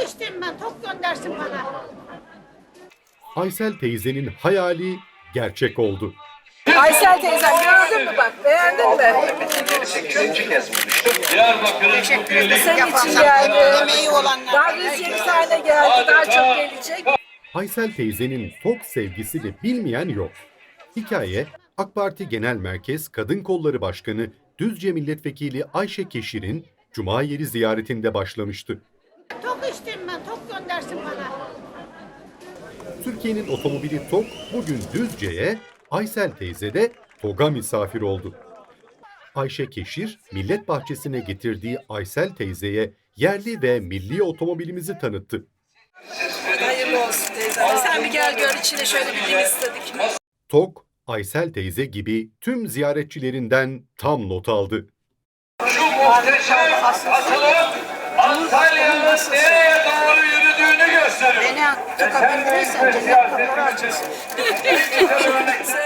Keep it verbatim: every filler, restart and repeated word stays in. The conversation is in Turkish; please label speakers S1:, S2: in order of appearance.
S1: Tok içtim ben, tok göndersin bana.
S2: Aysel teyzenin hayali gerçek oldu.
S3: Aysel teyzem gördün mü bak, beğendin mi?
S4: sekizinci kez buluştuk.
S3: Senin için geldi. Daha yüz yirmi tane geldi, daha çok gelecek.
S2: Aysel teyzenin tok sevgisini bilmeyen yok. Hikaye AK Parti Genel Merkez Kadın Kolları Başkanı Düzce Milletvekili Ayşe Keşir'in Cuma yeri ziyaretinde başlamıştı.
S1: Tok içtim ben, tok göndersin bana.
S2: Türkiye'nin otomobili TOG bugün Düzce'ye, Aysel teyze de TOG'a misafir oldu. Ayşe Keşir, Millet Bahçesi'ne getirdiği Aysel teyzeye yerli ve milli otomobilimizi tanıttı.
S3: Hayırlı olsun teyzem. Sen bir gel gör, içine şöyle bir dim istedik.
S2: TOG, Aysel teyze gibi tüm ziyaretçilerinden tam not aldı.
S4: Şu muhteşem atılım Antalya'nın nereye doğru yürüdüğünü gösteriyor.
S1: Beni toka bindirirsen cennet kapıları açılsın.
S3: Sen